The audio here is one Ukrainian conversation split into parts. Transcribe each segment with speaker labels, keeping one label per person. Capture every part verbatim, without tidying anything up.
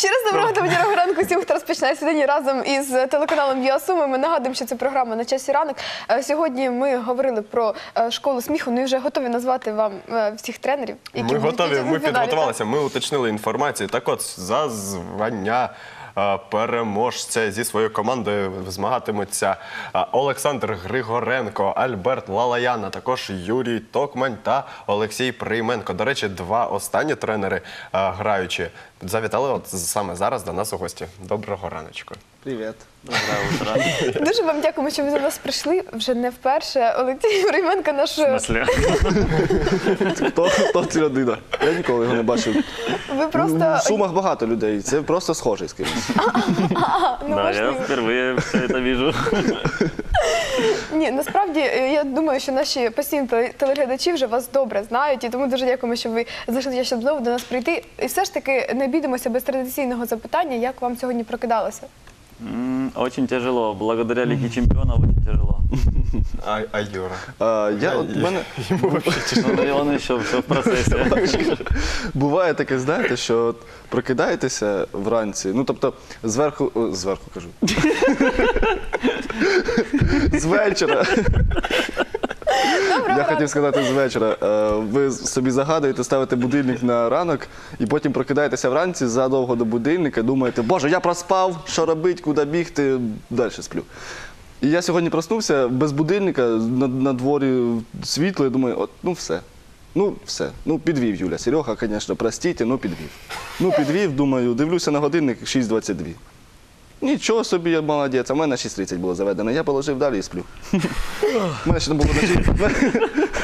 Speaker 1: Ще раз доброго та бадьорого ранку всім, хто розпочинає сьогодні разом із телеканалом «Віа Суми». Ми нагадуємо, що це програма «На часі ранок». Сьогодні ми говорили про школу сміху, ну і вже готові назвати вам всіх тренерів, які
Speaker 2: Ми готові, ми
Speaker 1: фіналі,
Speaker 2: підготувалися, ми уточнили інформацію. Так от, за звання переможця зі своєю командою змагатимуться Олександр Григоренко, Альберт Лалаян, а також Юрій Токмань та Олексій Прийменко. До речі, два останні тренери граючі завітали от саме зараз до нас у гості. Доброго раночку.
Speaker 3: Привіт.
Speaker 4: Доброе утро.
Speaker 1: Дуже вам дякуємо, що ви до нас прийшли. Вже не вперше. Олексій Прийменко наш...
Speaker 4: В смысле?
Speaker 3: Хто, хто ця людина? Я ніколи його не бачив.
Speaker 1: Ви просто...
Speaker 3: В Сумах багато людей, це просто схожий з кимось.
Speaker 1: Ну,
Speaker 4: Да, я
Speaker 1: можливо.
Speaker 4: впервые все это вижу.
Speaker 1: Ні, насправді, я думаю, що наші постійні теле- телеглядачі вже вас добре знають, і тому дуже дякуємо, що ви знайшли, щоб знову до нас прийти. І все ж таки не обійдемося без традиційного запитання, як вам сьогодні прокидалося?
Speaker 4: М, Очень тяжело. Благодаря Лиге чемпионов очень тяжело.
Speaker 2: А, а Юра?
Speaker 3: А, я, от, в мене
Speaker 4: Ну, и он еще все в процессе.
Speaker 3: буває таке, знаєте, що от прокидаєтеся вранці, ну тобто зверху, о, зверху кажу, з вечора. Я хотів сказати з вечора. Е, Ви собі загадуєте, ставите будильник на ранок і потім прокидаєтеся вранці задовго до будильника, думаєте, боже, я проспав, що робити, куди бігти, далі сплю. І я сьогодні проснувся без будильника, на, на дворі світло, і думаю, от, ну все. Ну все, ну підвів Юля. Серега, звісно, простіть, ну підвів. Ну підвів, думаю, дивлюся на годинник шість двадцять два. Нічого собі, я молодець, а в мене шість тридцять було заведено. Я положив далі і сплю. У мене ще не було на шість...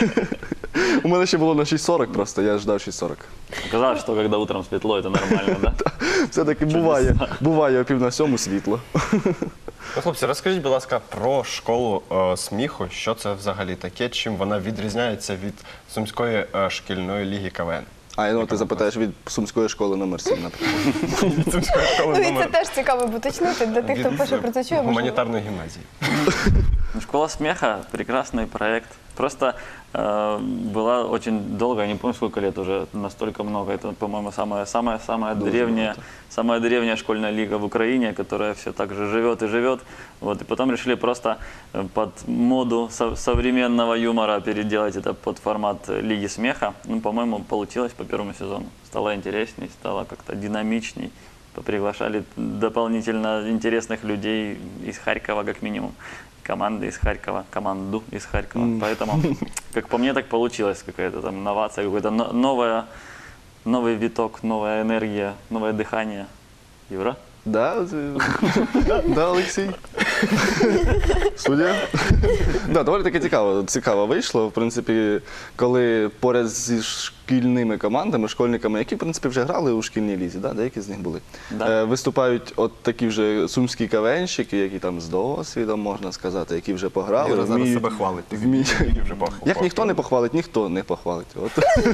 Speaker 3: У мене ще було на шість сорок просто, я ждав шість сорок.
Speaker 4: Оказалось, что когда утром светло, это нормально, да?
Speaker 3: Все-таки буває, буває о пів на сьому світло.
Speaker 2: Ну, хлопці, розкажіть, будь ласка, про школу е, сміху. Що це взагалі таке? Чим вона відрізняється від Сумської е, шкільної ліги КВН?
Speaker 3: А, ну ти запитаєш від Сумської школи номер сім, наприклад.
Speaker 2: Від Сумської школи
Speaker 1: Ну і це
Speaker 2: номер
Speaker 1: теж цікаво буде уточнити для тих, хто
Speaker 2: від,
Speaker 1: перше
Speaker 2: е,
Speaker 1: про це чує. можливо.
Speaker 2: гуманітарної гімназії.
Speaker 4: Ну, Школа смеха – прекрасный проект. Просто э, была очень долго, я не помню, сколько лет уже, настолько много. Это, по-моему, самая, самая, самая, древняя, самая древняя школьная лига в Украине, которая все так же живет и живет. Вот, и потом решили просто э, под моду со- современного юмора переделать это под формат Лиги смеха. Ну, по-моему, получилось по первому сезону. Стало интересней, стало как-то динамичней. Приглашали дополнительно интересных людей из Харькова, как минимум. Команды из Харькова, команду из Харькова. Поэтому, как по мне, так получилось. Какая-то там новация, какой-то но- новая, новый виток, новая энергия, новое дыхание. Юра?
Speaker 3: Да, це- да, Олексій? Суддя? Да, доволі таки цікаво, цікаво вийшло. В принципі, коли поряд зі шкільними командами, школьниками, які, в принципі, вже грали у шкільній лізі, да, деякі з них були,
Speaker 4: Да.
Speaker 3: е, виступають от такі вже сумські кавенщики, які там з досвідом, можна сказати, які вже пограли.
Speaker 2: Юра зараз
Speaker 3: вміють-
Speaker 2: себе хвалить. Ти
Speaker 3: вміють.
Speaker 2: ти вже похвалив.
Speaker 3: Як ніхто не похвалить, ніхто не похвалить. От.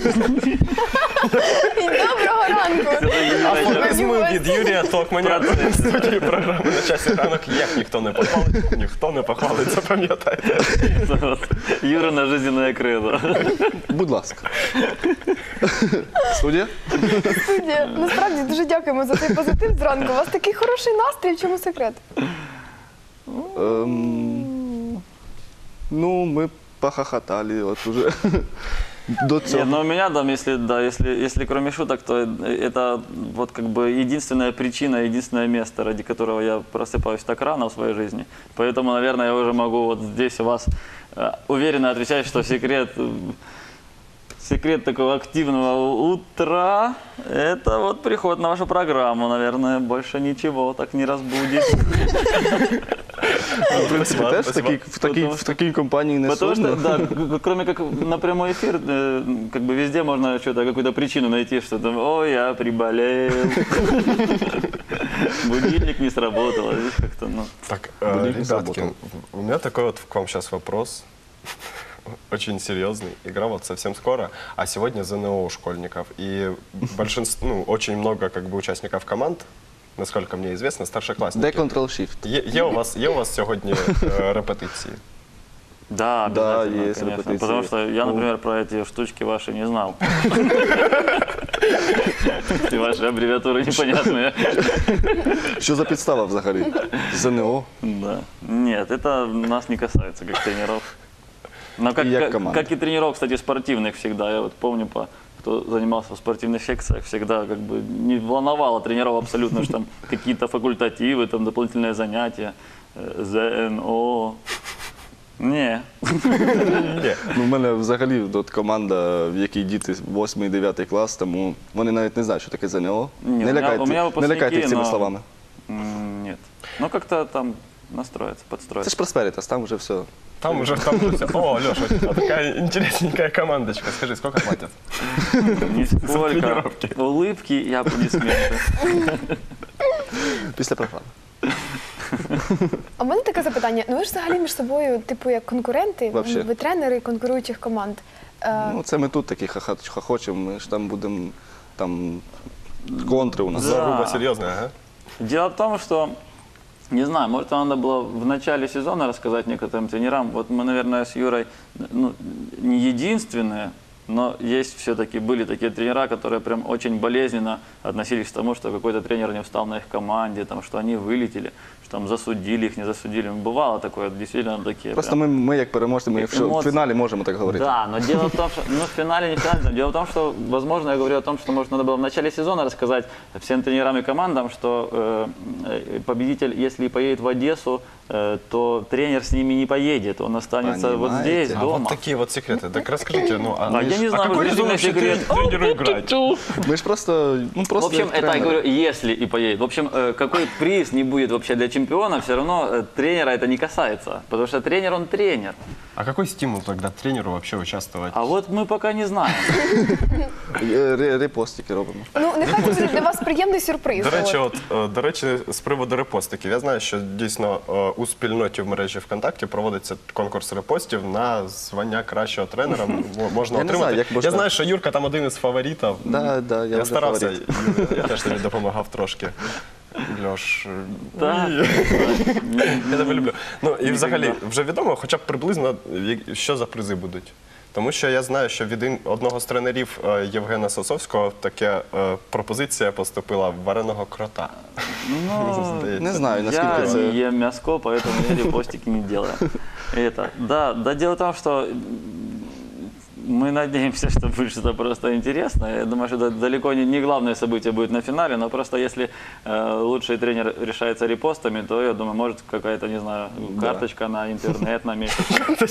Speaker 1: І доброго ранку!
Speaker 2: Афоризми від Юрія Токманя в студії програми «На часі ранок». Як ніхто не похвалить, ніхто не похвалить, запам'ятайте.
Speaker 4: Вот. Юрина жизненное кредо.
Speaker 3: Будь ласка. Суддя?
Speaker 1: Студія, насправді дуже дякуємо за цей позитив зранку. У вас такий хороший настрій, в чому секрет?
Speaker 3: Ем, ну, мы похохотали вот уже до
Speaker 4: Нет,
Speaker 3: цього.
Speaker 4: но у меня там, если, да, если, если кроме шуток, то это вот как бы единственная причина, единственное место, ради которого я просыпаюсь так рано в своей жизни. Поэтому, наверное, я уже могу вот здесь у вас э, уверенно отвечать, что секрет, э, секрет такого активного утра – это вот приход на вашу программу, наверное, больше ничего так не разбудит.
Speaker 3: В принципі, теж в такій, в такій,
Speaker 4: Потому
Speaker 3: в такій компанії не
Speaker 4: Потому что,
Speaker 3: сумно.
Speaker 4: да, к- кроме как на прямой эфир, э, как бы везде можно что-то, какую-то причину найти, что там, ой, я приболел, будильник не сработал, а здесь как-то, ну.
Speaker 2: Так,
Speaker 3: Будильник
Speaker 2: э, ребятки,
Speaker 3: сработал.
Speaker 2: у меня такой вот к вам сейчас вопрос. Очень серьезный. Игра вот совсем скоро, а сегодня ЗНО у школьников. И большинство, ну, очень много как бы участников команд, насколько мне известно, старшеклассники.
Speaker 3: Де Ctrl-Shift?
Speaker 2: Є, є, у вас, є у вас сьогодні е, репетиції?
Speaker 4: Да,
Speaker 3: Да,
Speaker 4: обязательно,
Speaker 3: есть
Speaker 4: конечно.
Speaker 3: репетиции.
Speaker 4: Потому что я,
Speaker 3: Ну.
Speaker 4: например, про эти штучки ваши не знал. И ваши аббревиатуры непонятные.
Speaker 3: Що за підстава взагалі? ЗНО?
Speaker 4: Да. Нет, это нас не касается, как тренеров. Но как,
Speaker 3: И я
Speaker 4: как,
Speaker 3: команда.
Speaker 4: как и тренеров, кстати, спортивных всегда. Я вот помню, по, кто занимался в спортивных секциях, всегда как бы не волновало тренеров абсолютно, что там какие-то факультативы, там дополнительные занятия, э, ЗНО. Не.
Speaker 2: Ні.
Speaker 3: Ну, в мене взагалі от команда, в якій діти восьмий-дев'ятий клас, тому вони навіть не знають, що таке ЗНО.
Speaker 4: Ні,
Speaker 3: Не
Speaker 4: у мене-
Speaker 3: лякайте,
Speaker 4: у мене
Speaker 3: не
Speaker 4: випускники,
Speaker 3: лякайте їх цими
Speaker 4: но-
Speaker 3: словами.
Speaker 4: М, Нет. Ну, как-то там настроиться,
Speaker 3: Це
Speaker 4: подстроиться.
Speaker 3: ж Просперітас, там вже все.
Speaker 2: Там уже, там уже все. О, Леша, у тебя такая интересненькая командочка. Скажи, сколько платят?
Speaker 4: Нисколько.
Speaker 2: тренировки.
Speaker 4: Улыбки и аплодисменты.
Speaker 3: Після програми.
Speaker 1: А в мене таке запитання. Ну ви ж взагалі між собою, типу, як конкуренти,
Speaker 3: Вообще.
Speaker 1: ви тренери конкуруючих команд. Е,
Speaker 3: Ну, це ми тут такі хаха- хохочемо, ми ж там будемо, там контри у нас.
Speaker 4: Да.
Speaker 2: Заруба серьезная, ага.
Speaker 4: Дело в том, что, не знаю, может, надо было в начале сезона рассказать некоторым тренерам. Вот мы, наверное, с Юрой ну, не единственные, но есть все-таки, были такие тренера, которые прям очень болезненно относились к тому, что какой-то тренер не встал на их команде, там, что они вылетели, что там засудили их, не засудили. Бывало такое, действительно такие.
Speaker 3: Просто
Speaker 4: прям.
Speaker 3: ми, ми як переможці, ми в, шо- в
Speaker 4: Емоції.
Speaker 3: фіналі можемо так говорити.
Speaker 4: Да, но дело в том, что, ну, в финале, не в финале, дело в том, что, возможно, я говорю о том, что, может, надо было в начале сезона рассказать всем тренерам и командам, что э, э, победитель, если и поедет в Одессу, э, то тренер с ними не поедет, он останется вот
Speaker 3: Понимаете?
Speaker 4: здесь,
Speaker 2: А
Speaker 4: дома.
Speaker 2: вот такие вот секреты. Так расскажите, ну, а,
Speaker 4: А я не знаю,
Speaker 2: какой
Speaker 4: вот
Speaker 2: резон
Speaker 4: действительно
Speaker 2: вообще
Speaker 4: секрет.
Speaker 2: тренеру играть?
Speaker 3: Ми ж просто, ну,
Speaker 4: В
Speaker 3: просто
Speaker 4: общем,
Speaker 3: як
Speaker 4: это я
Speaker 3: тренери.
Speaker 4: говорю, если и поедет. В общем, э, какой приз не будет вообще для чемпиона, все равно э, тренера это не касается, потому что тренер, он тренер.
Speaker 2: А какой стимул тогда тренеру вообще участвовать?
Speaker 4: А вот мы пока не знаем.
Speaker 3: Е, ре- Репостики робимо.
Speaker 1: Ну, нехай це буде для вас приємний сюрприз.
Speaker 2: До речі,
Speaker 1: от.
Speaker 2: от, е, до речі, з приводу репостиків. Я знаю, що дійсно е, у спільноті в мережі ВКонтакті проводиться конкурс репостів на звання кращого тренера. М- Можна
Speaker 3: Я не
Speaker 2: отримати.
Speaker 3: знаю, як можна-
Speaker 2: Я знаю, що Юрка там один із фаворитів.
Speaker 3: Да, да, я
Speaker 2: я
Speaker 3: вже
Speaker 2: старався,
Speaker 3: фаворит.
Speaker 2: Юра, я теж тобі допомагав трошки. Льош,
Speaker 4: Да.
Speaker 2: я тебе люблю. Ну і взагалі,
Speaker 4: Ніколи.
Speaker 2: вже відомо, хоча б приблизно, як- що за призи будуть. Тому що я знаю, що від ін- одного з тренерів е, Євгена Сосовського таке е, пропозиція поступила вареного крота.
Speaker 4: Ну,
Speaker 2: Здається.
Speaker 3: Не знаю,
Speaker 4: Я
Speaker 3: наскільки це.
Speaker 4: не ем мяско, поэтому я репостики не делаю. Это, да, да, дело в том, что м, мы надеемся, что будет что-то просто интересное. Я думаю, что это далеко не, не главное событие будет на финале, но просто если э, лучший тренер решается репостами, то, я думаю, может какая-то, не знаю, карточка на интернет на месяц.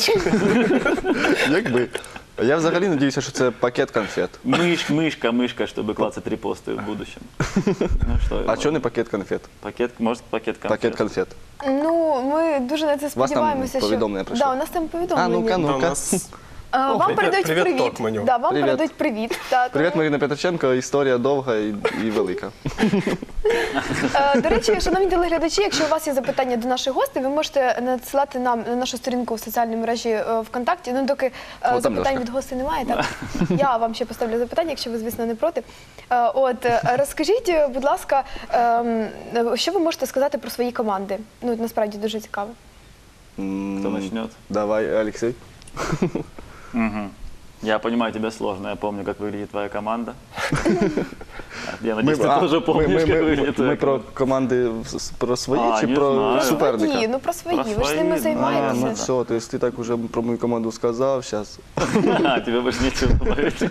Speaker 3: Якби. Я взагалі надіюся, що це пакет конфет.
Speaker 4: Мышь, мышка, мышка, чтобы клацать репосты в будущем. Ну что,
Speaker 3: А чого не пакет конфет?
Speaker 4: пакет, может, пакет конфет.
Speaker 3: Пакет конфет.
Speaker 1: Ну, ми дуже на це
Speaker 3: там
Speaker 1: сподіваємося, що...
Speaker 3: повідомлення прийшло?
Speaker 1: Да, у нас там повідомлення.
Speaker 3: А, ну-ка,
Speaker 2: Та у
Speaker 3: ну-ка.
Speaker 2: нас
Speaker 1: А, вам
Speaker 2: Привіт,
Speaker 1: передають
Speaker 2: привіт,
Speaker 1: привіт.
Speaker 2: Токманю.
Speaker 1: Да, вам
Speaker 3: Привіт.
Speaker 1: передають привіт. Та,
Speaker 3: Привіт,
Speaker 1: тому-
Speaker 3: Марина Петриченко. Історія довга і, і велика.
Speaker 1: Е, До речі, шановні телеглядачі, якщо у вас є запитання до наших гостей, ви можете надсилати нам на нашу сторінку в соціальній мережі е, ВКонтакті. Ну, доки е,
Speaker 3: там
Speaker 1: запитань
Speaker 3: Льошка.
Speaker 1: від гостей немає, так я вам ще поставлю запитання, якщо ви, звісно, не проти. Е, От е, розкажіть, е, будь ласка, ем, е, що ви можете сказати про свої команди? Ну, насправді дуже цікаво.
Speaker 4: Кто начнет?
Speaker 3: Давай, Олексій.
Speaker 4: Мгм. Я понимаю, тебе сложно. Я помню, как выглядит твоя команда. Я надеюсь, ты
Speaker 3: а,
Speaker 4: тоже помнишь,
Speaker 3: ми,
Speaker 4: как
Speaker 3: ми,
Speaker 4: выглядит
Speaker 3: ми,
Speaker 4: твоя
Speaker 3: ми про
Speaker 4: команда.
Speaker 3: команди с- про свої
Speaker 4: А,
Speaker 3: чи
Speaker 4: не
Speaker 3: про
Speaker 4: знаю.
Speaker 3: суперника?
Speaker 1: Свої, ну про свої,
Speaker 4: Про
Speaker 1: ви ж ними
Speaker 4: свої,
Speaker 3: А,
Speaker 1: займаєтеся.
Speaker 3: ну все, то есть ти так уже про мою команду сказав, зараз.
Speaker 4: А, тебе больше нечего добавить.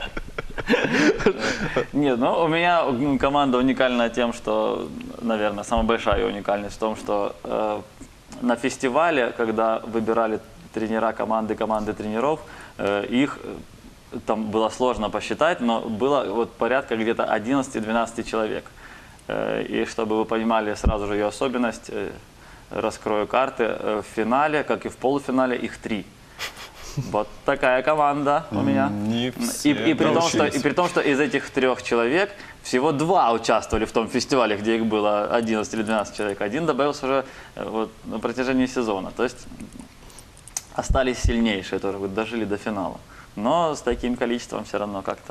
Speaker 4: Нет, ну у меня м, команда уникальна тем, что, наверное, самая большая её уникальность в том, что э, на фестивале, когда выбирали тренера команды, команды тренеров, э, их э, там было сложно посчитать, но было вот порядка где-то одиннадцать-двенадцать человек. Э, и чтобы вы понимали сразу же ее особенность, э, раскрою карты, э, в финале, как и в полуфинале, их три. Вот такая команда у меня.
Speaker 2: Не
Speaker 4: И,
Speaker 2: все
Speaker 4: и, при том, что,
Speaker 2: научились.
Speaker 4: и при том, что из этих трех человек всего два участвовали в том фестивале, где их было одиннадцать или двенадцать человек. Один добавился уже э, вот, на протяжении сезона. То есть остались сильнейшие, тоже вот, дожили до финала. Но с таким количеством все равно как-то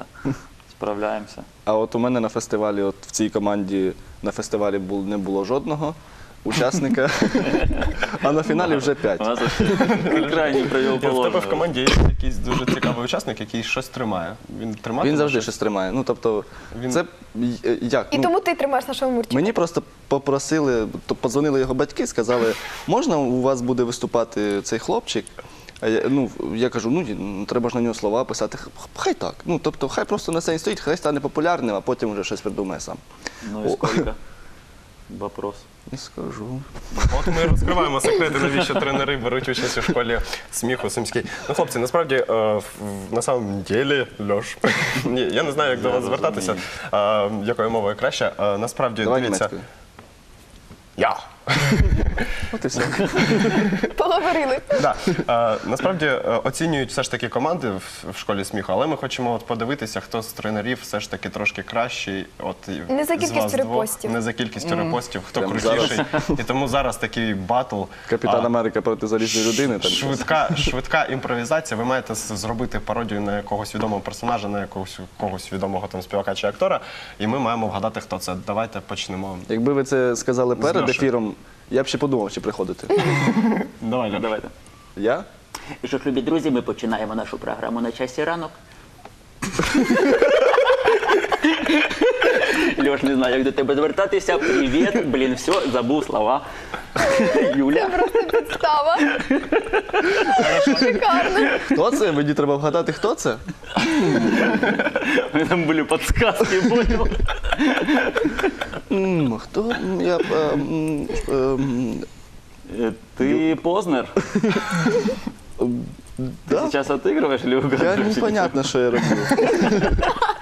Speaker 4: справляемся.
Speaker 3: А от у мене на фестивалі, от в цій команді на фестивалі бул, не було жодного учасника, а на фіналі вже
Speaker 4: У
Speaker 3: п'ять.
Speaker 4: нас вообще крайне
Speaker 2: Ні, в тебе в
Speaker 4: противоположно.
Speaker 2: команді є якийсь дуже цікавий учасник, який щось тримає. Він тримає.
Speaker 3: Він завжди щось тримає. Ну, тобто,
Speaker 2: Він-
Speaker 3: це е, як?
Speaker 1: І
Speaker 3: Ну,
Speaker 1: тому ти тримаєш нашого Мурчика.
Speaker 3: Мені просто попросили, то подзвонили його батьки, сказали, можна у вас буде виступати цей хлопчик? А я, ну, я кажу, ну ні, треба ж на нього слова писати. Х- Хай так. Ну, тобто, хай просто на сцені стоїть, хай стане популярним, а потім вже щось придумає сам.
Speaker 4: Ну и сколько? Вопрос.
Speaker 3: Не скажу.
Speaker 2: От ми розкриваємо секрети, навіщо тренери беруть участь у школі сміху Сумській. Ну, хлопці, насправді, е, в- на самом ділі, Льош, ні, я не знаю, як до
Speaker 4: Я
Speaker 2: вас звертатися,
Speaker 4: розумію.
Speaker 2: е, якою мовою краще. Е, Насправді,
Speaker 3: Давай
Speaker 2: дивіться.
Speaker 3: німецькою.
Speaker 2: Я.
Speaker 3: От і все.
Speaker 1: Поговорили.
Speaker 2: Да. Е, насправді е, оцінюють все ж таки команди в, в школі сміху, але ми хочемо от подивитися, хто з тренерів все ж таки трошки кращий. От, і
Speaker 1: Не за
Speaker 2: з
Speaker 1: кількістю
Speaker 2: вас двох.
Speaker 1: репостів.
Speaker 2: Не за кількістю репостів, хто
Speaker 3: Прямо
Speaker 2: крутіший. І тому зараз такий батл.
Speaker 3: Капітан
Speaker 2: А,
Speaker 3: Америка проти залізної людини. Там.
Speaker 2: Швидка, швидка імпровізація. Ви маєте з- зробити пародію на якогось відомого персонажа, на якогось когось відомого там співака чи актора, і ми маємо вгадати, хто це. Давайте почнемо.
Speaker 3: Якби ви це сказали перед
Speaker 2: Льошею.
Speaker 3: ефіром, я б ще подумав, чи приходити.
Speaker 2: Давай, Льош.
Speaker 4: Давайте.
Speaker 3: Я?
Speaker 5: І що ж, любі друзі, ми починаємо нашу програму на часі ранок. Льош, не знаю, як до тебе звертатися. Привіт, блін, все, забув слова. Юля.
Speaker 1: Просто підстава. Шикарно.
Speaker 3: Хто це? Мені треба вгадати, хто це?
Speaker 4: Там были подсказки, понял?
Speaker 3: М, Хто? М, Я, е, м, е, м,
Speaker 4: Э, Ты Познер?
Speaker 3: да?
Speaker 4: Ты сейчас отыгрываешь или
Speaker 3: Я
Speaker 4: угадываешь?
Speaker 3: непонятно, що я роблю.